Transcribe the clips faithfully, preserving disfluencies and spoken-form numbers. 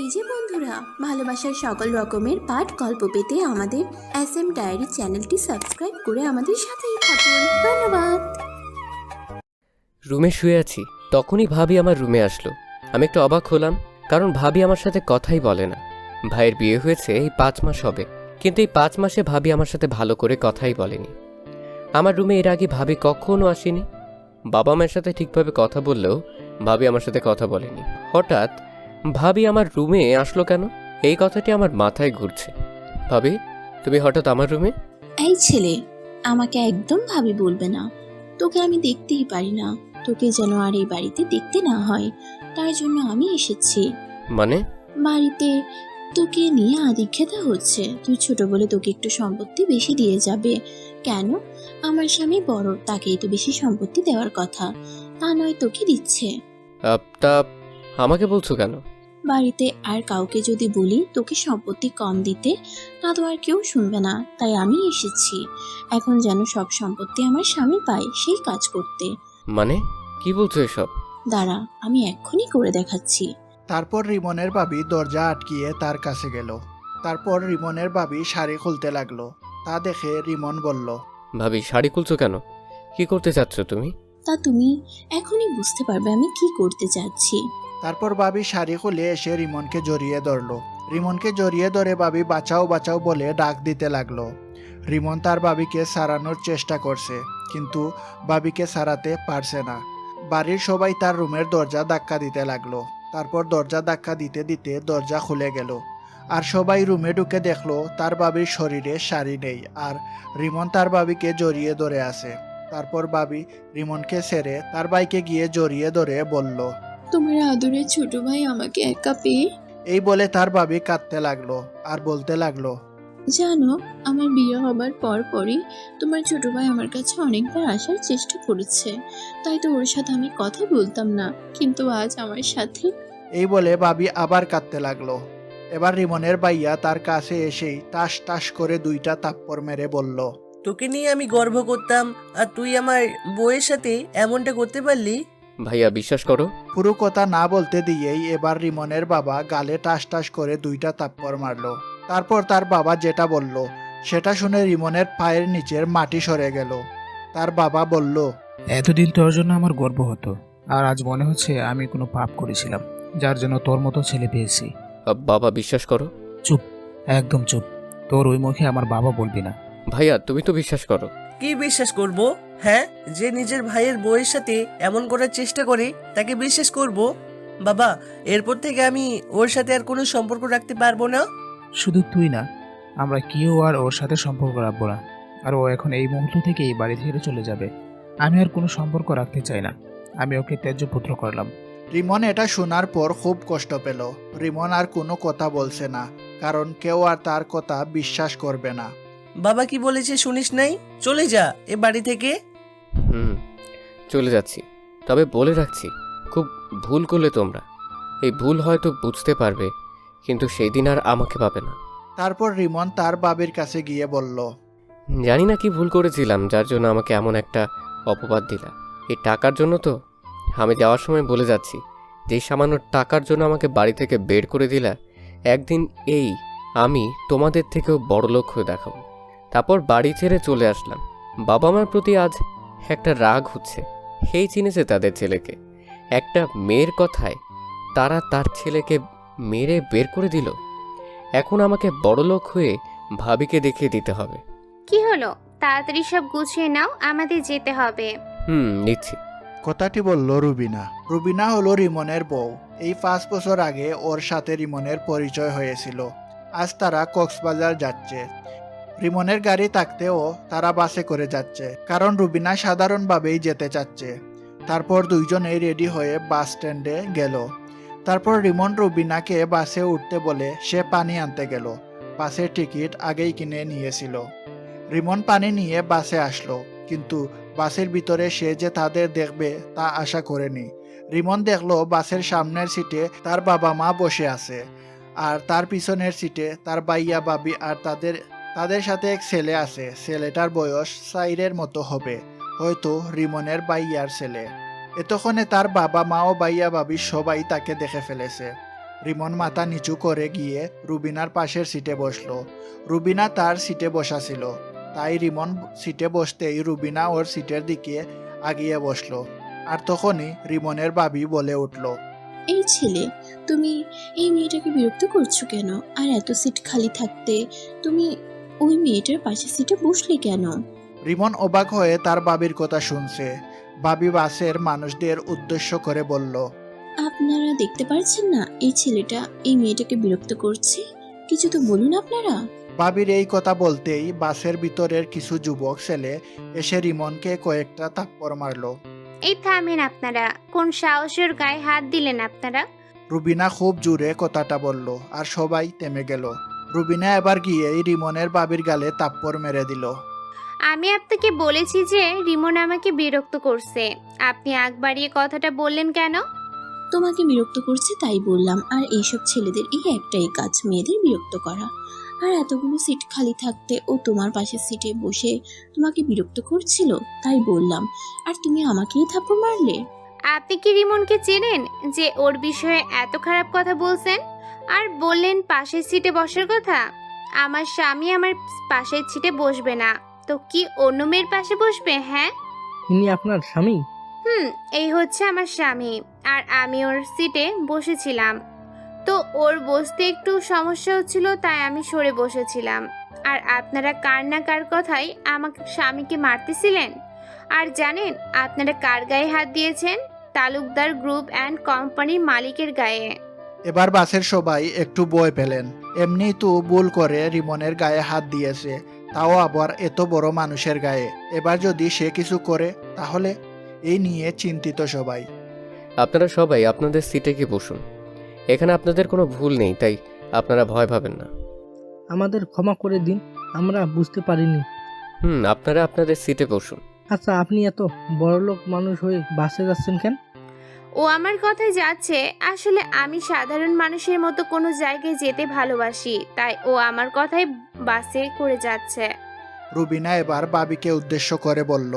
এই যে বন্ধুরা, ভালোবাসার সকল রকমের পাঠ গল্প পেতে আমাদের এস এম ডায়েরি চ্যানেলটি সাবস্ক্রাইব করে আমাদের সাথেই থাকুন। ধন্যবাদ। রুমে শুয়ে আছি, তখনই ভাবি আমার রুমে আসলো। আমি একটু অবাক হলাম, কারণ ভাবি আমার সাথে কথাই বলে না। ভাইয়ের বিয়ে হয়েছে এই পাঁচ মাস হবে, কিন্তু এই পাঁচ মাসে ভাবি আমার সাথে ভালো করে কথাই বলেনি। আমার রুমে এর আগে ভাবি কখনো আসেনি। বাবা মায়ের সাথে ঠিকভাবে কথা বললেও ভাবি আমার সাথে কথা বলেনি। হঠাৎ ভাবি আমার রুমে আসলো কেন, এই কথাটি আমার মাথায় ঘুরছে। ভাবি, তুমি হঠাৎ আমার রুমে? এই ছেলে, আমাকে একদম ভাবি বলবে না। তোকে আমি দেখতেই পারি না, তোকে যেন আর এই বাড়িতে দেখতে না হয়, তার জন্য আমি এসেছি। মানে? বাড়িতে তোকে নিয়ে আদিক্ষেতা হচ্ছে। তুই ছোট বলে তোকে একটু সম্পত্তি বেশি দিয়ে যাবে। কেন? আমার স্বামী বড়, তাকেই তো বেশি সম্পত্তি দেওয়ার কথা, তা নয় তোকে দিচ্ছে। তা আমাকে বলছো কেন? বাড়িতে আর কাউকে যদি বলি তোকে সম্পত্তি কম দিতে, তা তো আর কেউ শুনবে না, তাই আমি এসেছি এখন যেন সব সম্পত্তি আমার স্বামী পায় সেই কাজ করতে। মানে কি বলছো এসব? দাঁড়া, আমি এক্ষুনি করে দেখাচ্ছি। তারপর রিমনের ভাবি দরজা আটকিয়ে তার কাছে গেল। তারপর রিমনের ভাবি শাড়ি খুলতে লাগলো। তা দেখে রিমন বলল, ভাবি, শাড়ি খুলছো কেন? কি করতে চাচ্ছ তুমি? তা তুমি এখনই বুঝতে পারবে আমি কি করতে চাচ্ছি। তারপর ভাবি শাড়ি খুলে এসে রিমনকে জড়িয়ে ধরলো। রিমনকে জড়িয়ে ধরে ভাবি বাঁচাও বাঁচাও বলে ডাক দিতে লাগলো। রিমন তার ভাবিকে সারানোর চেষ্টা করছে, কিন্তু ভাবিকে সারাতে পারছে না। বাড়ির সবাই তার রুমের দরজা ধাক্কা দিতে লাগলো। তারপর দরজা ধাক্কা দিতে দিতে দরজা খুলে গেল, আর সবাই রুমে ঢুকে দেখলো তার ভাবির শরীরে শাড়ি নেই, আর রিমন তার ভাবিকে জড়িয়ে ধরে আছে। তারপর ভাবি রিমনকে ছেড়ে তার ভাইকে গিয়ে জড়িয়ে ধরে বলল, তোমার আদরের ছোট ভাই আমাকে একা পেয়ে। এই বলে তার ভাবি কাঁদতে লাগলো আর বলতে লাগলো, জানো, আমার বিয়ে হবার পর পরই তোমার ছোট ভাই আমার কাছে অনেকবার আসার চেষ্টা করেছে, তাই তো ওর সাথে আমি কথা বলতাম না, কিন্তু আজ আমার সাথে। এই বলে ভাবি আবার কাঁদতে লাগলো। এবার রিমনের ভাইয়া তার কাছে এসেই টাস টাস করে দুইটা থাপ্পড় মেরে বলল, তোকে নিয়ে আমি গর্ব করতাম, আর তুই আমার বউয়ের সাথে এমনটা করতে পারলি? ভাইয়া, বিশ্বাস করো। পুরো কথা না বলতে দিয়েই এবার রিমনের বাবা গালে টাস টাস করে দুইটা থাপ্পড় মারলো। তারপর তার বাবা যেটা বলল সেটা শুনে রিমনের পায়ের নিচের মাটি সরে গেল। তার বাবা বলল, এতদিন তোর জন্য আমার গর্ব হতো, আর আজ মনে হচ্ছে আমি কোনো পাপ করেছিলাম, যার জন্য তোর মতো ছেলে পেয়েছি। আহ, বাবা, বিশ্বাস করো। চুপ, একদম চুপ। তোর ওই মুখে আমার বাবা বলবি না। ভাইয়া, তুমি তো বিশ্বাস করো। কি বিশ্বাস করব? হ্যাঁ, যে নিজের ভাইয়ের বউয়ের সাথে এমন করার চেষ্টা করে তাকে বিশ্বাস করব? বাবা, এরপর থেকে আমি ওর সাথে আর কোনো সম্পর্ক রাখতে পারবো না। শুধু তুই না, আমরা কেউ আর ওর সাথে সম্পর্ক রাখবো না। আর ও এখন এই মুহূর্ত থেকে এই বাড়ি থেকে চলে যাবে। আমি আর কোনো সম্পর্ক রাখতে চাই না। আমি ওকে ত্যায্য পুত্র করলাম। রিমন এটা শোনার পর খুব কষ্ট পেল। রিমন আর কোনো কথা বলছে না, কারণ কেউ আর তার কথা বিশ্বাস করবে না। বাবা কি বলেছে শুনিস নাই? চলে যা এ বাড়ি থেকে। হুম, চলে যাচ্ছি। তবে বলে রাখছি, খুব ভুল করলে তোমরা। এই ভুল হয়তো বুঝতে পারবে, কিন্তু সেই দিন আর আমাকে পাবে না। তারপর রিমন তার বাবির কাছে গিয়ে বলল, জানি না কি ভুল করেছিলাম, যার জন্য আমাকে এমন একটা অপবাদ দিলা। এই টাকার জন্য তো আমি যাওয়ার সময় বলে যাচ্ছি, যেই সামান্য টাকার জন্য আমাকে বাড়ি থেকে বের করে দিলা, একদিন এই আমি তোমাদের থেকেও বড় লোক হয়ে দেখাবো। তারপর বাড়ি ছেড়ে চলে আসলাম। বাবা মার প্রতি আজ একটা রাগ হচ্ছে। সেই চিনেছে তাদের ছেলেকে, একটা মেয়ের কথায় তারা তার ছেলেকে মেরে বের করে দিল। এখন আমাকে বড় লোক হয়ে ভাবিকে দেখিয়ে দিতে হবে। কি হলো? তাড়াতাড়ি সব গুছিয়ে নাও, আমাদের যেতে হবে। হুম, নিচ্ছি। কথাটি বলল রুবিনা। রুবিনা হলো রিমনের বউ। এই পাঁচ বছর আগে ওর সাথে রিমনের পরিচয় হয়েছিল। আজ তারা কক্সবাজার যাচ্ছে। রিমনের গাড়ি থাকতেও তারা বাসে করে যাচ্ছে, কারণ রুবিনা সাধারণভাবেই যেতে চাচ্ছে। তারপর দুইজনেই রেডি হয়ে বাস স্ট্যান্ডে গেল। তারপর রিমন রুবিনাকে বাসে উঠতে বলে সে পানি আনতে গেল। বাসের টিকিট আগেই কিনে নিয়েছিল। রিমন পানি নিয়ে বাসে আসলো, কিন্তু বাসের ভিতরে সে যে তাদের দেখবে তা আশা করেনি। রিমন দেখলো বাসের সামনের সিটে তার বাবা মা বসে আছে, আর তার পিছনের সিটে তার ভাইয়া ভাবি আর তাদের তাদের সাথে এক ছেলে আছে। ছেলেটার বয়স সাইরের মতো হবে, হয়তো রিমনের ভাইয়ার ছেলে। এতক্ষণে তার বাবা মা ও ভাইয়া ভাবি সবাই তাকে দেখে ফেলেছে। রিমন মাথা নিচু করে গিয়ে রুবিনার পাশের সিটে বসলো। রুবিনা তার সিটে বসা ছিল, তাই রিমন সিটে বসতেই রুবিনা ওর সিটের দিকে আগিয়ে বসলো। আর তখনই রিমনের বাবি বলে উঠল, এই ছেলে, তুমি এই মেয়েটাকে বিরক্ত করছো কেন? আর এত সিট খালি থাকতে তুমি ওই মেয়েটার পাশে সিটে বসলে কেন? রিমন অবাক হয়ে তার বাবির কথা শুনছে। বাবি বাসের মানুষদের উদ্দেশ্য করে বলল, আপনারা দেখতে পাচ্ছেন না এই ছেলেটা এই মেয়েটাকে বিরক্ত করছে? কিছু তো বলুন আপনারা। বাবির এই কথা বলতেই বাসের ভিতরের কিছু যুবক ছেলে এসে রিমনকে কয়েকটা থাপ্পড় মারলো। এই থামেন আপনারা, কোন সাহসের গায়ে হাত দিলেন আপনারা? রুবিনা খুব জোরে কথাটা বলল আর সবাই থেমে গেল। রুবিনা এবার গিয়েই রিমনের বাবির গালে থাপ্পড় মেরে দিল। আমি আপনাকে বলেছি যে রিমন আমাকে বিরক্ত করছে, আপনি আগ বাড়িয়ে কথাটা বললেন কেন? তোমাকে বিরক্ত করছে তাই বললাম। আর এইসব ছেলেদের এই একটাই কাজ, মেয়েদের বিরক্ত করা। আর এতগুলো সিট খালি থাকতে ও তোমার পাশের সিটে বসে তোমাকে বিরক্ত করছিল, তাই বললাম। আর তুমি আমাকেই থাপ্পড় মারলে। আপনি কি রিমনকে চেনেন যে ওর বিষয়ে এত খারাপ কথা বলছেন? আর বললেন পাশের সিটে বসার কথা। আমার স্বামী আমার পাশের সিটে বসবে না তো কি অন্য মেয়ের পাশে বসবে? হ্যাঁ, ইনি আপনার স্বামী? হুম, এই হচ্ছে আমার স্বামী। আর আমি ওর সিটে বসেছিলাম, তো ওর বসতে একটু সমস্যা হচ্ছিল, তাই আমি সরে বসেছিলাম। আর আপনারা কার না কার কথাই আমাকে স্বামীকে মারতেছিলেন। আর জানেন আপনারা কার গায়ে হাত দিয়েছেন? তালুকদার গ্রুপ অ্যান্ড কোম্পানির মালিকের গায়ে। এবার বাসের সবাই একটু ভয় পেলেন। এমনি তো ভুল করে রিমনের গায়ে হাত দিয়েছে, তাও আবার এত বড় মানুষের গায়ে। এবার যদি সে কিছু করে তাহলে? এই নিয়ে চিন্তিত সবাই। আপনারা সবাই আপনাদের সিটে গিয়ে বসুন। এখানে আপনাদের কোনো ভুল নেই, তাই আপনারা ভয় পাবেন না। আমাদের ক্ষমা করে দিন, আমরা বুঝতে পারিনি। হুম আপনারা আপনাদের সিটে বসুন। আচ্ছা, আপনি এত বড়লোক মানুষ হয়ে বাসে যাচ্ছেন কেন? ও আমার কথায় যাচ্ছে। আসলে আমি সাধারণ মানুষের মতো কোনো জায়গায় যেতে ভালোবাসি, তাই ও আমার কথায় বাসে করে যাচ্ছে। রুবিনা এবার বাবিকে উদ্দেশ্য করে বলল।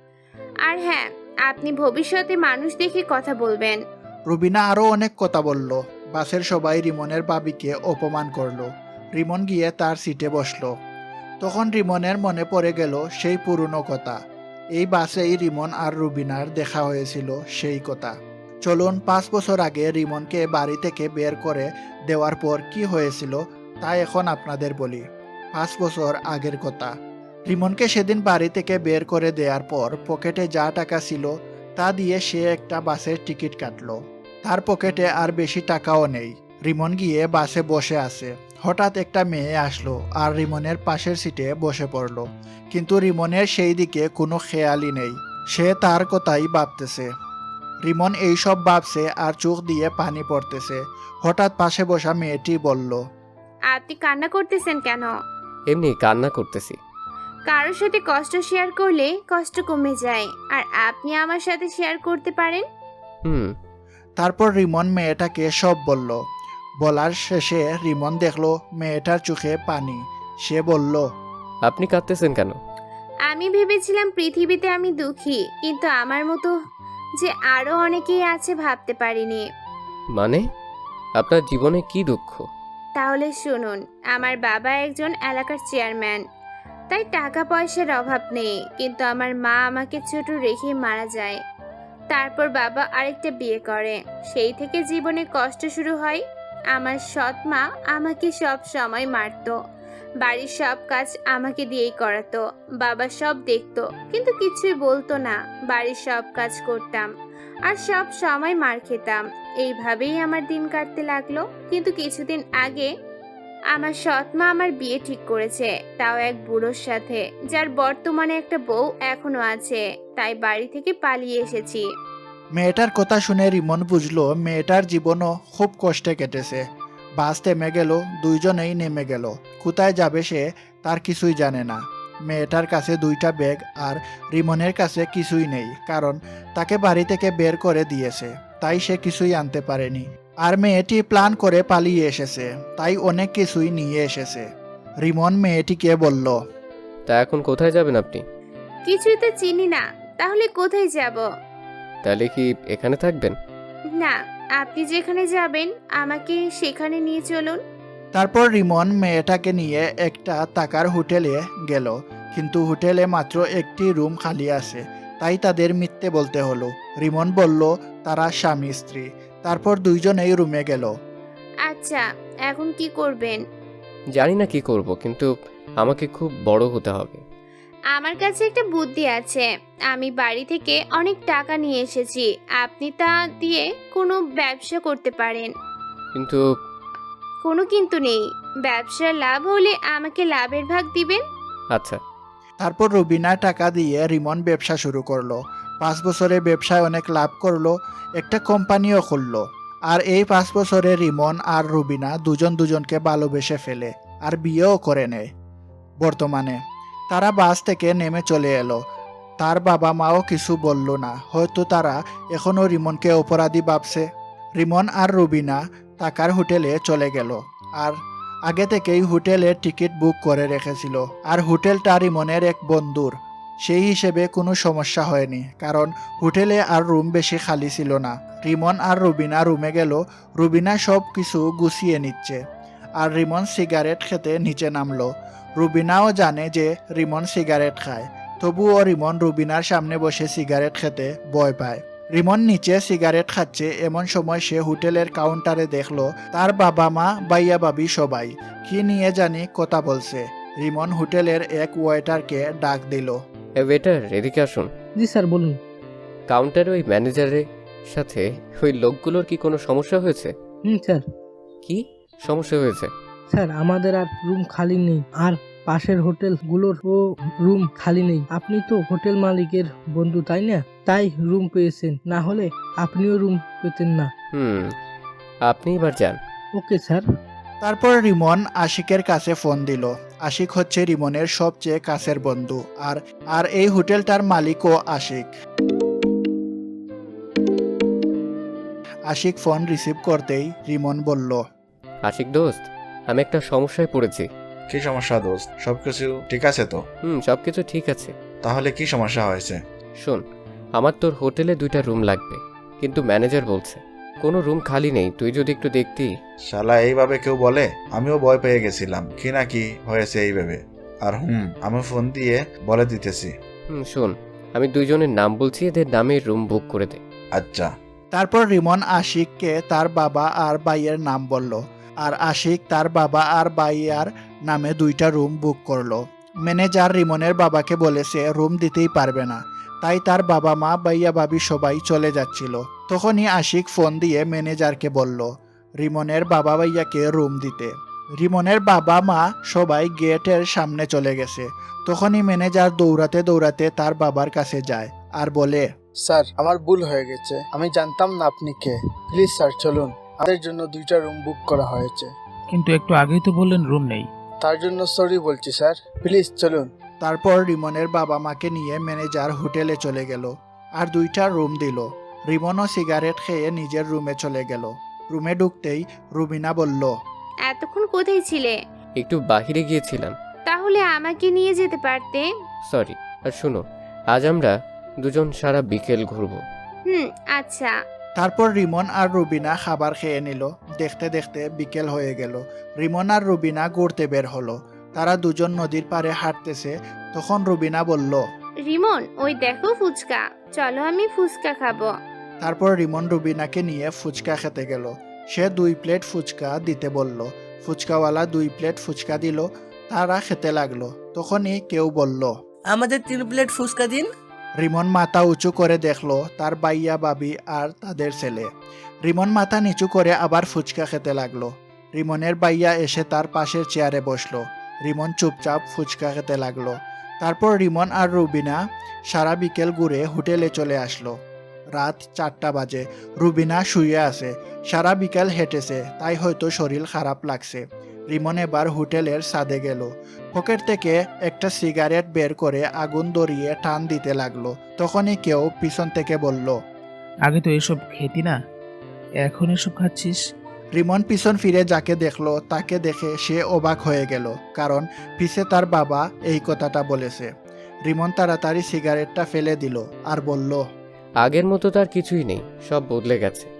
আর হ্যাঁ, আপনি ভবিষ্যতে মানুষ দেখে কথা বলবেন। রুবিনা আরো অনেক কথা বলল। বাসের সবাই রিমনের বাবিকে অপমান করলো। রিমন গিয়ে তার সিটে বসলো। তখন রিমনের মনে পড়ে গেল সেই পুরনো কথা। এই বাসেই রিমন আর রুবিনার দেখা হয়েছিল সেই কথা। চলুন পাঁচ বছর আগে রিমনকে বাড়ি থেকে বের করে দেওয়ার পর কি হয়েছিল তা এখন আপনাদের বলি। পাঁচ বছর আগের কথা। রিমনকে সেদিন বাড়ি থেকে বের করে দেওয়ার পর পকেটে যা টাকা ছিল তা দিয়ে সে একটা বাসের টিকিট কাটলো। তার পকেটে আর বেশি টাকাও নেই। রিমন গিয়ে বাসে বসে আছে। হঠাৎ একটা মেয়ে আসলো আর রিমনের পাশের সিটে বসে পড়লো। কিন্তু রিমনের সেই দিকে কোনো খেয়ালই নেই। সে তার কথাই ভাবতেছে। রিমন এইসব ভাবছে আর চোখ দিয়ে পানি পড়তেছে। হঠাৎ পাশে বসা মেয়েটি বলল, আপনি কান্না করতেছেন কেন? এমনি কান্না করতেছি। কারোর সাথে কষ্ট শেয়ার করলে কষ্ট কমে যায়, আর আপনি আমার সাথে শেয়ার করতে পারেন। হুম তারপর রিমন মেয়েটাকে সব বলল। বলার শেষে রিমন দেখলো মেয়েটার চোখে পানি। সে বলল, আপনি কাঁদতেছেন কেন? আমি ভেবেছিলাম পৃথিবীতে আমি দুঃখী, কিন্তু আমার মতো যে আরো অনেকেই আছে ভাবতে পারিনি। মানে আপনার জীবনে কি দুঃখ? তাহলে শুনুন, আমার বাবা একজন এলাকার চেয়ারম্যান, তাই টাকা পয়সার অভাব নেই। কিন্তু আমার মা আমাকে ছোট রেখে মারা যায়। তারপর বাবা আরেকটা বিয়ে করে। সেই থেকে জীবনে কষ্ট শুরু হয়। আমার সৎ মা আমাকে সব সময় মারতো, বাড়ির সব কাজ আমাকে দিয়েই করাতো। বাবা সব দেখতো কিন্তু কিছুই বলতো না। বাড়ির সব কাজ করতাম আর সব সময় মার খেতাম। এইভাবেই আমার দিন কাটতে লাগলো। কিন্তু কিছুদিন আগে আমার সৎ মা আমার বিয়ে ঠিক করেছে, তাও এক বুড়োর সাথে, যার বর্তমানে একটা বউ এখনো আছে। তাই বাড়ি থেকে পালিয়ে এসেছি। মেয়েটার কথা শুনে রিমন বুঝলো মেয়েটার জীবনও খুব কষ্টে কেটেছে। বাস থেমে গেল, দুইজনেই নেমে গেল। কোথায় যাবে সে তার কিছুই জানে না। মেয়েটার কাছে দুইটা ব্যাগ আর রিমনের কাছে কিছুই নেই, কারণ তাকে বাড়ি থেকে বের করে দিয়েছে, তাই সে কিছুই আনতে পারেনি। আর মেয়েটি প্ল্যান করে পালিয়ে এসেছে, তাই অনেক কিছুই নিয়ে এসেছে। রিমন মেয়েটিকে বলল, তা এখন কোথায় যাবেন আপনি? কিছুই তো চিনি না, তাহলে কোথায় যাব? তাহলে কি এখানে থাকবেন? না, আপনি যেখানে যাবেন আমাকে সেখানে নিয়ে চলুন। তারপর রিমন মেয়েটাকে নিয়ে একটা টাকার হোটেলে গেল, কিন্তু হোটেলে মাত্র একটি রুম খালি আছে, তাই তাদের মিথ্যে বলতে হলো। রিমন বলল তারা স্বামী স্ত্রী। তারপর দুইজনেই রুমে গেল। আচ্ছা, এখন কি করবেন? জানি না কি করব, কিন্তু আমাকে খুব বড় হতে হবে। আমার কাছে একটা বুদ্ধি আছে। আমি বাড়ি থেকে অনেক টাকা নিয়ে এসেছি, আপনি তা দিয়ে কোনো ব্যবসা করতে পারেন। কিন্তু কোনো কিন্তু নেই, ব্যবসার লাভ হলে আমাকে লাভের ভাগ দিবেন। আচ্ছা। তারপর রুবিনা টাকা দিয়ে রিমন ব্যবসা শুরু করলো। পাঁচ বছরে ব্যবসায় অনেক লাভ করলো, একটা কোম্পানিও খুললো। আর এই পাঁচ বছরে রিমন আর রুবিনা দুজন দুজনকে ভালোবেসে ফেলে আর বিয়েও করে নেয়। বর্তমানে তারা বাস থেকে নেমে চলে এলো। তার বাবা মাও কিছু বলল না, হয়তো তারা এখনও রিমনকে অপরাধী ভাবছে। রিমন আর রুবিনা টাকার হোটেলে চলে গেল, আর আগে থেকেই হোটেলের টিকিট বুক করে রেখেছিল। আর হোটেলটা রিমনের এক বন্ধুর, সেই হিসেবে কোনো সমস্যা হয়নি, কারণ হোটেলে আর রুম বেশি খালি ছিল না। রিমন আর রুবিনা রুমে গেল। রুবিনা সব কিছু গুছিয়ে নিচ্ছে, আর রিমন সিগারেট খেতে নিচে নামলো। রুবিনাও জানে যে রিমন সিগারেট খায়, তবুও রিমন রুবিনার সামনে বসে সিগারেট খেতে ভয় পায়। রিমন নিচে সিগারেট খাচ্ছে, এমন সময় সে হোটেলের কাউন্টারে দেখলো তার বাবা মা বাইয়া বাবি সবাই কি নিয়ে জানি কথা বলছে। রিমন হোটেলের এক ওয়েটারকে ডাক দিল। এ ওয়েটার, এদিকে আসুন। জি স্যার, বলুন। কাউন্টারে ওই ম্যানেজারের সাথে ওই লোকগুলোর কি কোনো সমস্যা হয়েছে? হুম স্যার। কি সমস্যা হয়েছে? স্যার, আমাদের আর রুম খালি নেই, আর পাশের হোটেলগুলোর ও রুম খালি নেই। আপনি তো হোটেল মালিকের বন্ধু, তাই না? তাই রুম পেয়েছেন, না হলে আপনিও রুম পেতেন না। হুম, আপনি এবার যান। Okay sir. তারপর রিমন আশিকের কাছে ফোন দিল। আশিক হচ্ছে রিমনের সবচেয়ে কাছের বন্ধু, আর আর এই হোটেলটার মালিকও আশিক। আশিক ফোন রিসিভ করতেই রিমন বলল, আশিক দোস্ত, আমি একটা সমস্যায় পড়েছি। কি সমস্যা দোস্ত? সবকিছু ঠিক আছে তো? হুম, সব কিছু ঠিক আছে। তাহলে কি সমস্যা হয়েছে? শোন, আমার তোর হোটেলে দুইটা রুম লাগবে, কিন্তু ম্যানেজার বলছে কোনো রুম খালি নেই, তুই যদি একটু দেখতি। শালা এইভাবে কেউ বলে? আমিও ভয় পেয়ে গেছিলাম কি না কি হয়েছে এইভাবে। আর হুম, আমি ফোন দিয়ে বলে দিতেছি। হুম, শোন, আমি দুইজনের নাম বলছি, এদের নামে রুম বুক করে দে। আচ্ছা। তারপর রিমন আশিককে তার বাবা আর ভাইয়ের নাম বলল, আর আশিক তার বাবা আর ভাইয়ার নামে দুইটা রুম বুক করলো। ম্যানেজার রিমনের বাবাকে বলেছে রুম দিতেই পারবে না, তাই তার বাবা মা ভাইয়া ভাবি সবাই চলে যাচ্ছিল। তখনই আশিক ফোন দিয়ে ম্যানেজারকে বলল রিমনের বাবা ভাইয়াকে রুম দিতে। রিমনের বাবা মা সবাই গেটের সামনে চলে গেছে। তখনই ম্যানেজার দৌড়াতে দৌড়াতে তার বাবার কাছে যায় আর বলে, স্যার, আমার ভুল হয়ে গেছে, আমি জানতাম না আপনি কে। প্লিজ স্যার চলুন, আমাদের জন্য দুইটা রুম বুক করা হয়েছে। কিন্তু একটু আগেই তো বললেন রুম নেই। তার জন্য সরি বলছি স্যার, প্লিজ চলুন। তারপর রিমনের বাবা মাকে নিয়ে ম্যানেজার হোটেলে চলে গেল আর দুইটা রুম দিল। রিমনও সিগারেট খেয়ে নিজের রুমে চলে গেল। রুমে ঢুকতেই রুবিনা বলল, এতক্ষণ কোথায় ছিলে? একটু বাহিরে গিয়েছিলাম। তাহলে আমাকে নিয়ে যেতে পারতে। সরি। আর শুনো, আজ আমরা দুজন সারা বিকেল ঘুরবো। হুম, আচ্ছা। তারপর রিমন আর রুবিনা খাবার খেয়ে নিল। দেখতে দেখতে বিকেল হয়ে গেল। রিমন আর রুবিনা ঘুরতে বের হলো। তারা দুজন নদীর পাড়ে হাঁটতেছে। তখন রুবিনা বলল, রিমন, ওই দেখো ফুচকা, চলো আমি ফুচকা খাবো। তারপর রিমন রুবিনাকে নিয়ে ফুচকা খেতে গেল। সে দুই প্লেট ফুচকা দিতে বলল। ফুচকাওয়ালা দুই প্লেট ফুচকা দিল। তারা খেতে লাগলো। তখনই কেউ বলল, আমাদের তিন প্লেট ফুচকা দিন। রিমন মাথা উঁচু করে দেখলো তার বাইয়া বাবি আর তাদের ছেলে। রিমন মাথা নিচু করে আবার ফুচকা খেতে লাগলো। রিমনের বাইয়া এসে তার পাশের চেয়ারে বসলো। রিমন চুপচাপ ফুচকা খেতে লাগলো। তারপর রিমন আর রুবিনা সারা বিকেল ঘুরে হোটেলে চলে আসলো। রাত চারটা বাজে। রুবিনা শুয়ে আছে। সারা বিকেল হেঁটেছে, তাই হয়তো শরীর খারাপ লাগছে। রিমন এবার হোটেলের ছাদে গেল। পকেট থেকে একটা সিগারেট বের করে আগুন ধরিয়ে টান দিতে লাগলো। তখনই কেউ পিছন থেকে বলল, আগে তো এসব খেতি না, এখন এসব খাচ্ছিস? রিমন পিছন ফিরে যাকে দেখলো তাকে দেখে সে অবাক হয়ে গেল, কারণ পিছে তার বাবা এই কথাটা বলেছে। রিমন তাড়াতাড়ি সিগারেটটা ফেলে দিল আর বলল, আগের মতো তার কিছুই নেই, সব বদলে গেছে।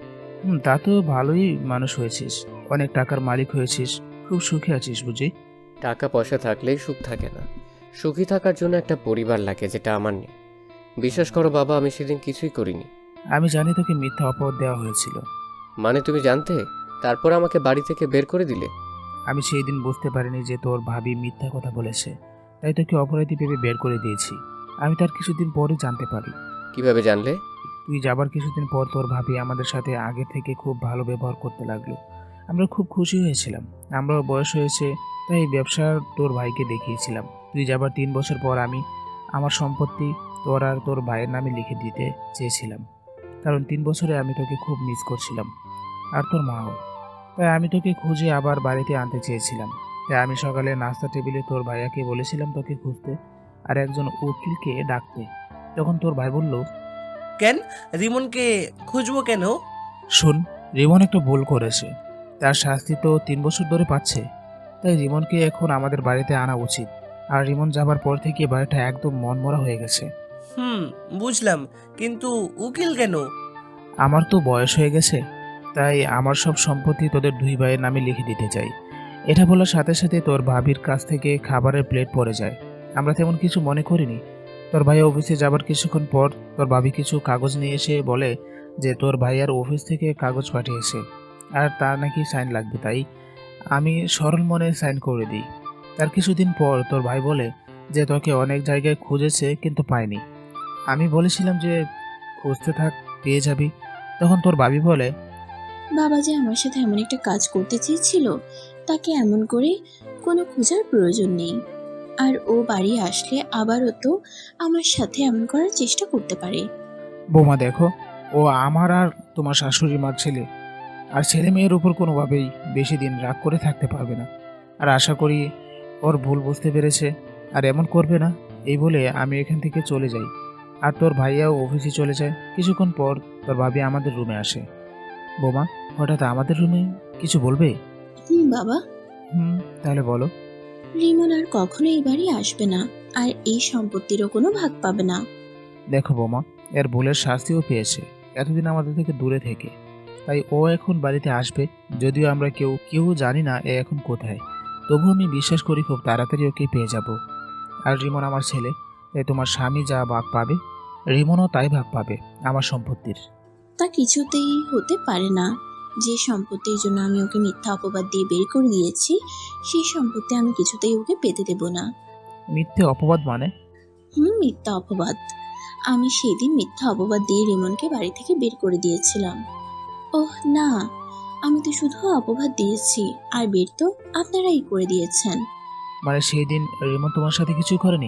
হুম, তা তো ভালোই মানুষ হয়েছিস, অনেক টাকার মালিক হয়েছিস, খুব সুখে আছিস বুঝি। টাকা পয়সা থাকলেই সুখ থাকে না, সুখী থাকার জন্য একটা পরিবার লাগে, যেটা আমার নেই। বিশ্বাস করো বাবা, আমি সেদিন কিছুই করিনি। আমি জানি তোকে মিথ্যা অপবাদ দেওয়া হয়েছিল। মানে তুমি জানতে, তারপর আমাকে বাড়ি থেকে বের করে দিলে? আমি সেই দিন বুঝতে পারিনি যে তোর ভাবি মিথ্যা কথা বলেছে, তাই তোকে অপরাধী ভেবে বের করে দিয়েছি। আমি তার কিছুদিন পরে জানতে পারি। কিভাবে জানলে? তুই যাবার কিছুদিন পর তোর ভাবি আমাদের সাথে আগে থেকে খুব ভালো ব্যবহার করতে লাগলো। আমরা খুব খুশি হয়েছিলাম। আমরাও বয়স হয়েছে, তাই ব্যবসা তোর ভাইকে দেখিয়েছিলাম। তুই যাবার তিন বছর পর আমি আমার সম্পত্তি তোর আর তোর ভাইয়ের নামে লিখে দিতে চেয়েছিলাম, কারণ তিন বছরে আমি তোকে খুব মিস করছিলাম, আর তোর মাও। তাই আমি তোকে খুঁজে আবার বাড়িতে আনতে চেয়েছিলাম। তাই আমি সকালে নাস্তা টেবিলে তোর ভাইয়াকে বলেছিলাম তোকে খুঁজতে আর একজন উকিলকে ডাকতে। তখন তোর ভাই বলল, কেন রিমনকে খুঁজবো কেন? শোন, রিমন একটা ভুল করেছে, তার শাস্তি তো তিন বছর ধরে পাচ্ছে। তাই রিমনকে এখন আমাদের বাড়িতে আনা উচিত। আর রিমন যাবার পর থেকে বাড়িটা একদম মনমরা হয়ে গেছে। হুম, বুঝলাম, কিন্তু উকিল কেন? আমার তো বয়স হয়ে গেছে, তাই আমার সব সম্পত্তি তোদের দুই ভাইয়ের নামে লিখে দিতে চাই। এটা বলার সাথে সাথে তোর ভাবির কাছ থেকে খাবারের প্লেট পড়ে যায়। আমরা তেমন কিছু মনে করিনি। তোর ভাই অফিসে যাবার কিছুক্ষণ পর তোর ভাবি কিছু কাগজ নিয়ে এসে বলে যে তোর ভাইয়ার অফিস থেকে কাগজ পাঠিয়েছে, আর তার নাকি সাইন লাগবে। তাই আমি সরল মনে সাইন করে দিই। তার কিছুদিন পর তোর ভাই বলে যে তোকে অনেক জায়গায় খুঁজেছে কিন্তু পায়নি। আমি বলেছিলাম যে খুঁজতে থাক, পেয়ে যাবি। তখন তোর ভাবি বলে, বাবা যে আমার সাথে এমন একটা কাজ করতে চেয়েছিল, তাকে এমন করে কোনো খোঁজার প্রয়োজন নেই। আর ও বাড়ি আসলে আবারও তো আমার সাথে এমন করার চেষ্টা করতে পারে। বৌমা দেখো, ও আমার আর তোমার শাশুড়ি মার ছেলে, আর ছেলে মেয়ের উপর কোনোভাবেই বেশি দিন রাগ করে থাকতে পারবে না। আর আশা করি ওর ভুল বুঝতে পেরেছে আর এমন করবে না। এই বলে আমি এখান থেকে চলে যাই, আর তোর ভাইয়াও অফিসে চলে যায়। কিছুক্ষণ পর তোর ভাবি আমাদের রুমে আসে। বৌমা, হঠাৎ আমাদের রুমে কিছু বলবে? হুম বাবা, হুম, তাহলে বলো। রিমন আর কখনো এই বাড়ি আসবে না, আর এই সম্পত্তিরও কোনো ভাগ পাবে না। দেখো বৌমা, এর ভুলের শাস্তিও পেয়েছে এতদিন আমাদের থেকে দূরে থেকে, তাই ও এখন বাড়িতে আসবে। যদিও আমরা কেউ কেউ জানি না এ এখন কোথায়, তবু আমি বিশ্বাস করি খুব তাড়াতাড়ি ওকে পেয়ে যাব। আর রিমন আমার ছেলে, তাই তোমার স্বামী যা ভাগ পাবে রিমনও তাই ভাগ পাবে আমার সম্পত্তির। তা কিছুতেই হতে পারে না। যে সম্পত্তির জন্য আমি ওকে মিথ্যা অপবাদ দিয়ে বের করে দিয়েছি, সেই সম্পত্তি আমি কিছুতেই ওকে পেতে দেব না। মিথ্যে অপবাদ মানে? হুম, মিথ্যা অপবাদ। আমি সেদিন মিথ্যা অপবাদ দিয়ে রিমনকে বাড়ি থেকে বের করে দিয়েছিলাম। ওহ না, আমি তো শুধু অপবাদ দিয়েছি, আর বের তো আপনারাই করে দিয়েছেন। মানে সেই দিন রিমন তোমার সাথে কিছুই করেনি?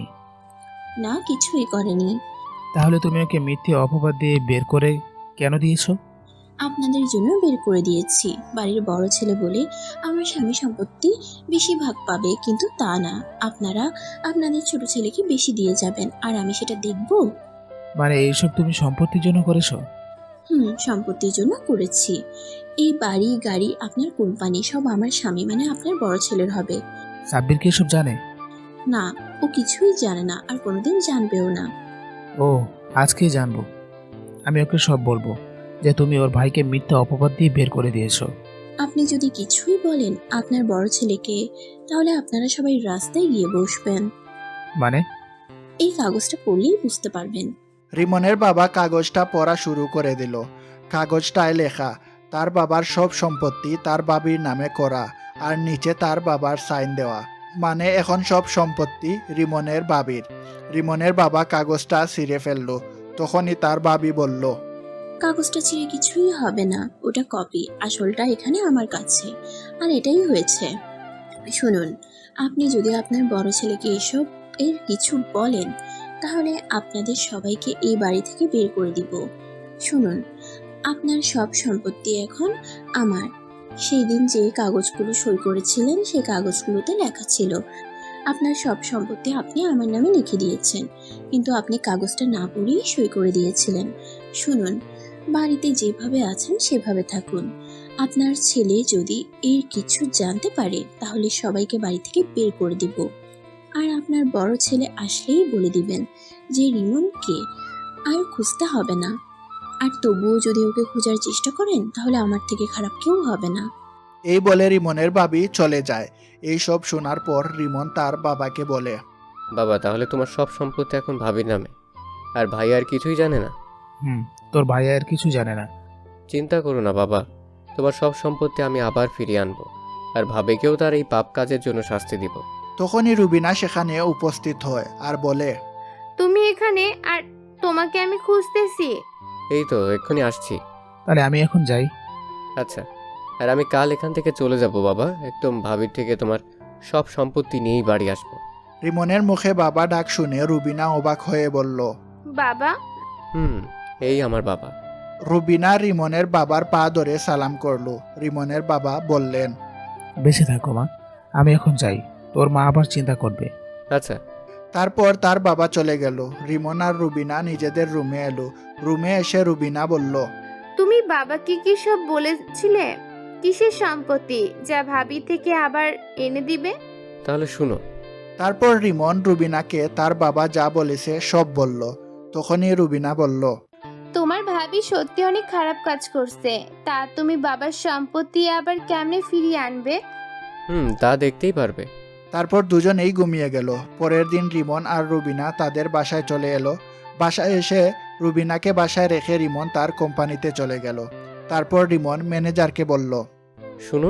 না, কিছুই করেনি। তাহলে তুমি ওকে মিথ্যে অপবাদ দিয়ে বের করে কেন দিয়েছো? আপনাদের জন্য বের করে দিয়েছি। বাড়ির বড় ছেলে বলে আমার স্বামী সম্পত্তি বেশি ভাগ পাবে, কিন্তু তা না। আপনারা আপনাদের ছোট ছেলেকে বেশি দিয়ে যাবেন, আর আমি সেটা দেখব। মানে এইসব তুমি সম্পত্তির জন্য করেছো? হুম, সম্পত্তির জন্য করেছি। এই বাড়ি গাড়ি আপনার কোম্পানি সব আমার স্বামী মানে আপনার বড় ছেলের হবে। সাব্বির কি এসব জানে? না, ও কিছুই জানে না, আর কোনোদিন জানবেও না। ও, আজকেই জানবো। আমি ওকে সব বলবো যে তুমি ওর ভাইকে মিথ্যা অপবাদ দিয়ে বের করে দিয়েছো। আপনি যদি কিছুই বলেন আপনার বড় ছেলেকে, তাহলে আপনারা সবাই রাস্তায় গিয়ে বসবেন। মানে? এই কাগজটা পড়লেই বুঝতে পারবেন। রিমনের বাবা কাগজটা পড়া শুরু করে দিল। কাগজটায় লেখা তার বাবার সব সম্পত্তি তার বাবির নামে করা, আর নিচে তার বাবার সাইন দেওয়া। মানে এখন সব সম্পত্তি রিমনের বাবির। রিমনের বাবা কাগজটা ছিঁড়ে ফেলল। তখনই তার বাবি বলল, কাগজটা ছিঁড়ে কিছুই হবে না, ওটা কপি, আসলটা এখানে আমার কাছে। আর এটাই হয়েছে। শুনুন, আপনি যদি আপনার বড় ছেলেকে এসব এর কিছু বলেন, তাহলে আপনাদের সবাইকে এই বাড়ি থেকে বের করে দিব। শুনুন, আপনার সব সম্পত্তি এখন আমার। সেই দিন যে কাগজগুলো সই করেছিলেন, সেই কাগজগুলোতে লেখা ছিল আপনার সব সম্পত্তি আপনি আমার নামে লিখে দিয়েছেন, কিন্তু আপনি কাগজটা না পড়েই সই করে দিয়েছিলেন। শুনুন, বাড়িতে যেভাবে আছেন সেভাবে থাকুন। আপনার ছেলে যদি এর কিছু জানতে পারে, তাহলে সবাইকে বাড়ি থেকে বের করে দিব। আর আপনার বড় ছেলে আসলেই বলে দিবেন যে রিমনকে আর খুঁজতে হবে না। আর তবুও যদি ওকে খোঁজার চেষ্টা করেন তাহলে আমার থেকে খারাপ কেউ হবে না। এই বলে রিমনের ভাবি চলে যায়। এই সব শোনার পর রিমন তার বাবাকে বলে, বাবা, তাহলে তোমার সব সম্পত্তি এখন ভাবির নামে, আর ভাই আর কিছুই জানে না? হুম, তোর ভাই আর কিছু জানে না। চিন্তা করো না বাবা, তোমার সব সম্পত্তি আমি আবার ফিরিয়ে আনবো, আর ভাবিকেও তার এই পাপ কাজের জন্য শাস্তি দিব। তখনই রুবিনা সেখানে উপস্থিত হয় আর বলে, তুমি এখানে, আর তোমাকে আমি খুঁজতেছি। এই তো এক্ষুনি আসছি। তাহলে আমি এখন যাই। আচ্ছা, আর আমি কাল এখান থেকে চলে যাব বাবা, একদম ভাবির থেকে তোমার সব সম্পত্তি নিয়েই বাড়ি আসবো। রিমনের মুখে বাবা ডাক শুনে রুবিনা অবাক হয়ে বলল, বাবা? হুম, এই আমার বাবা। রুবিনা রিমনের বাবার পা ধরে সালাম করলো। রিমনের বাবা বললেন, বেঁচে থাকো মা, আমি এখন যাই, তোর মা আবার চিন্তা করবে। আচ্ছা। তারপর তার বাবা চলে গেল। রিমন আর রুবিনা নিজেদের রুমে এলো। রুমে এসে রুবিনা বলল, তুমি বাবাকে কি সব বলেছিলে? কিসের সম্পত্তি যা ভাবি থেকে আবার এনে দিবে? তাহলে শুনো। তারপর রিমন রুবিনাকে তার বাবা যা বলেছে সব বলল। তখনই রুবিনা বলল, তোমার ভাবি সত্যি অনেক খারাপ কাজ করছে, তা তুমি বাবার সম্পত্তি আবার কেমনে ফিরিয়ে আনবে? হুম, তা দেখতেই পারবে। তারপর দুজনেই ঘুমিয়ে গেল। পরের দিন রিমন আর রুবিনা তাদের বাসায় চলে এলো। বাসায় এসে রুবিনাকে বাসায় রেখে রিমন তার কোম্পানিতে চলে গেল। তারপর রিমন ম্যানেজারকে বলল, শুনুন,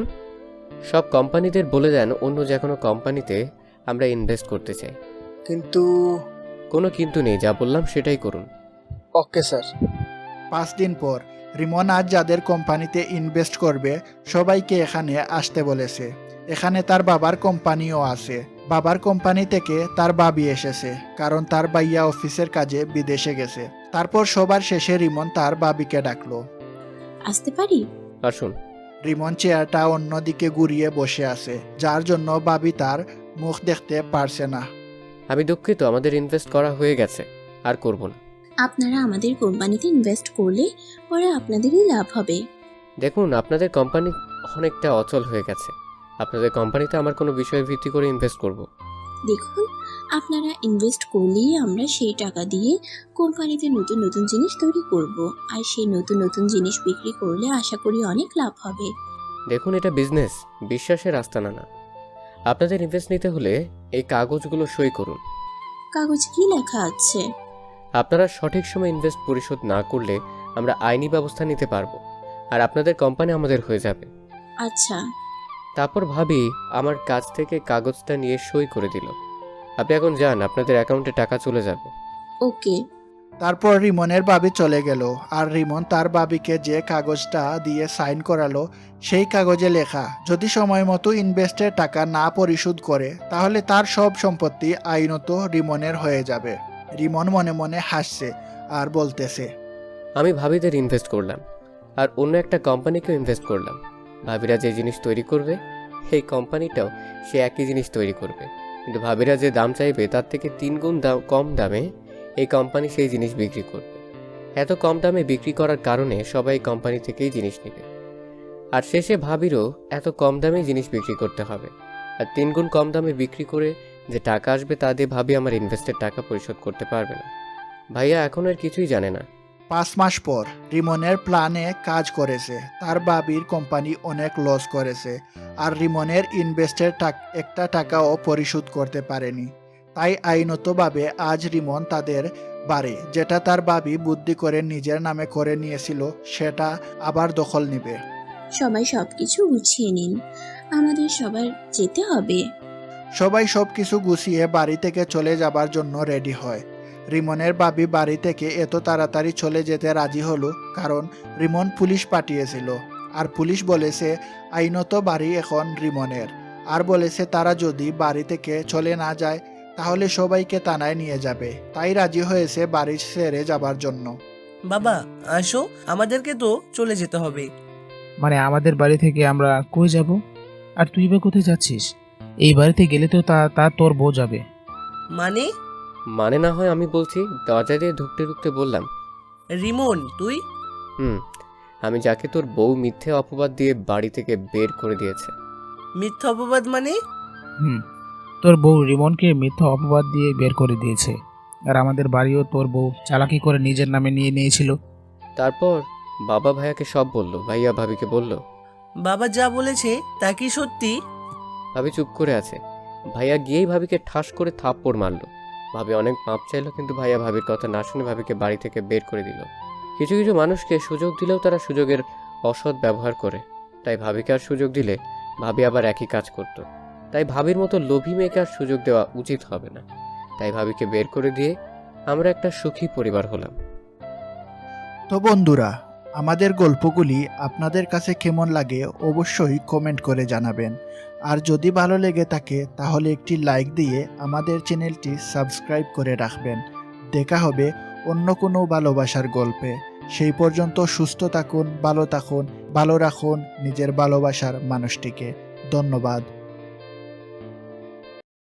সব কোম্পানিদের বলে দেন অন্য যে কোনো কোম্পানিতে আমরা ইনভেস্ট করতে চাই। কিন্তু কোনো কিন্তু নেই, যা বললাম সেটাই করুন। Okay sir. পাঁচ দিন পর রিমন আজ যাদের কোম্পানিতে ইনভেস্ট করবে সবাইকে এখানে আসতে বলেছে। এখানে তার বাবার কোম্পানিও আছে। বাবার কোম্পানি থেকে তার বাবি এসেছে, কারণ তার ভাইয়া অফিসের কাজে বিদেশে গেছে। তারপর সবার শেষে রিমন তার বাবিকে ডাকলো। আসতে পারি? আসুন। রিমন চেয়ারটা অন্যদিকে ঘুরিয়ে বসে আছে, যার জন্য বাবি তার মুখ দেখতে পারছে না। আমি দুঃখিত, আমাদের ইনভেস্ট করা হয়ে গেছে, আর করব না। আপনারা আমাদের কোম্পানিতে ইনভেস্ট করলে পরে আপনাদেরই লাভ হবে। দেখুন, আপনাদের কোম্পানি অনেকটা অচল হয়ে গেছে। আপনাদের কোম্পানিতে আমার কোনো বিষয়ে ভিত্তি করে ইনভেস্ট করব। দেখুন, আপনারা ইনভেস্ট করলেই আমরা সেই টাকা দিয়ে কোম্পানিতে নতুন নতুন জিনিস তৈরি করব, আর সেই নতুন নতুন জিনিস বিক্রি করলে আশা করি অনেক লাভ হবে। দেখুন, এটা বিজনেস, বিশ্বাসের আস্তানা না। আপনাদের ইনভেস্ট নিতে হলে এই কাগজগুলো সই করুন। কাগজে কি লেখা আছে? আপনারা সঠিক সময় ইনভেস্ট পরিশোধ না করলে আমরা আইনি ব্যবস্থা নিতে পারবো, আর আপনাদের কোম্পানি আমাদের হয়ে যাবে। আচ্ছা। তারপর ভাবি আমার কাছ থেকে কাগজটা নিয়ে সই করে দিল। আপনি এখন যান, আপনাদের অ্যাকাউন্টে টাকা চলে যাবে। ওকে। তারপর রিমনের বাবি চলে গেল, আর রিমন তার বাবিকে যে কাগজটা দিয়ে সাইন করালো সেই কাগজে লেখা, যদি সময় মতো ইনভেস্টের টাকা না পরিশোধ করে তাহলে তার সব সম্পত্তি আইনত রিমনের হয়ে যাবে। রিমন মনে মনে হাসছে আর বলতেছে, আমি ভাবিদের ইনভেস্ট করলাম, আর অন্য একটা কোম্পানিকেও ইনভেস্ট করলাম। ভাবিরা যে জিনিস তৈরি করবে সেই কোম্পানিটাও সে একই জিনিস তৈরি করবে, কিন্তু ভাবিরা যে দাম চাইবে তার থেকে তিন গুণ দাম কম দামে এই কোম্পানি সেই জিনিস বিক্রি করবে। এত কম দামে বিক্রি করার কারণে সবাই কোম্পানি থেকেই জিনিস নেবে, আর শেষে ভাবিরও এত কম দামে জিনিস বিক্রি করতে হবে। আর তিন গুণ কম দামে বিক্রি করে যে টাকা আসবে তা দিয়ে ভাবি আমার ইনভেস্টের টাকা পরিশোধ করতে পারবে না। ভাইয়া এখন আর কিছুই জানে না। পাঁচ মাস পর রিমনের প্ল্যানে কাজ করেছে। তার বাবির কোম্পানি অনেক লস করেছে, আর রিমনের ইনভেস্টের একটা টাকাও পরিশোধ করতে পারেনি। তাই আইনতভাবে আজ রিমন তাদের বাড়ি, যেটা তার বাবি বুদ্ধি করে নিজের নামে করে নিয়েছিল, সেটা আবার দখল নিবে। সবাই সবকিছু গুছিয়ে নিন, আমাদের সবার যেতে হবে। সবাই সবকিছু গুছিয়ে বাড়ি থেকে চলে যাবার জন্য রেডি হয়। রিমনের বাবি বাড়ি থেকে এত তাড়াতাড়ি চলে যেতে রাজি হলো কারণ রিমন পুলিশ পাঠিয়েছিল, আর পুলিশ বলেছে আইনত বাড়ি এখন রিমনের, আর বলেছে তারা যদি বাড়ি থেকে চলে না যায় তাহলে সবাইকে থানায় নিয়ে যাবে। তাই রাজি হয়েছে বাড়ি ছেড়ে যাবার জন্য। বাবা আসো, আমাদেরকে তো চলে যেতে হবে। মানে আমাদের বাড়ি থেকে আমরা কই যাব? আর তুই বা কোথায় যাচ্ছিস? এই বাড়িতে গেলে তো তা তা তোর বউ যাবে। মানে? মানে না হয় আমি বলছি, দরজা দিয়ে ঢুকতে ঢুকতে বললাম, রিমন তুই? হুম, আমি যাকে তোর বউ মিথ্যে অপবাদ দিয়ে বাড়ি থেকে বের করে দিয়েছে। মিথ্যা অপবাদ মানে? হুম, তোর বউ রিমনকে মিথ্যা অপবাদ দিয়ে বের করে দিয়েছে, আর আমাদের বাড়িও তোর বউ চালাকি করে নিজের নামে নিয়ে নিয়েছিল। তারপর বাবা ভাইয়াকে সব বলল, ভাইয়া ভাবিকে বলল। বাবা যা বলেছে তা কি সত্যি? ভাবি চুপ করে আছে। ভাইয়া গিয়েই ভাবিকে ঠাস করে থাপ্পড় মারলো। ভাবি অনেক মাপ চাইলো, কিন্তু ভাইয়া ভাবির কথা না শুনে ভাবিকে বাড়ি থেকে বের করে দিল। কিছু কিছু মানুষকে সুযোগ দিলেও তারা সুযোগের অসৎ ব্যবহার করে, তাই ভাবিকে আর সুযোগ দিলে ভাবি আবার একই কাজ করত। তাই ভাবির মতো লোভী মেয়েকে আর সুযোগ দেওয়া উচিত হবে না। তাই ভাবিকে বের করে দিয়ে আমরা একটা সুখী পরিবার হলাম। তো বন্ধুরা, আমাদের গল্পগুলি আপনাদের কাছে কেমন লাগে অবশ্যই কমেন্ট করে জানাবেন। আর যদি ভালো লেগে থাকে তাহলে একটি লাইক দিয়ে আমাদের চ্যানেলটি সাবস্ক্রাইব করে রাখবেন। দেখা হবে অন্য কোনো ভালোবাসার গল্পে। সেই পর্যন্ত সুস্থ থাকুন, ভালো থাকুন, ভালো রাখুন নিজের ভালোবাসার মানুষটিকে। ধন্যবাদ।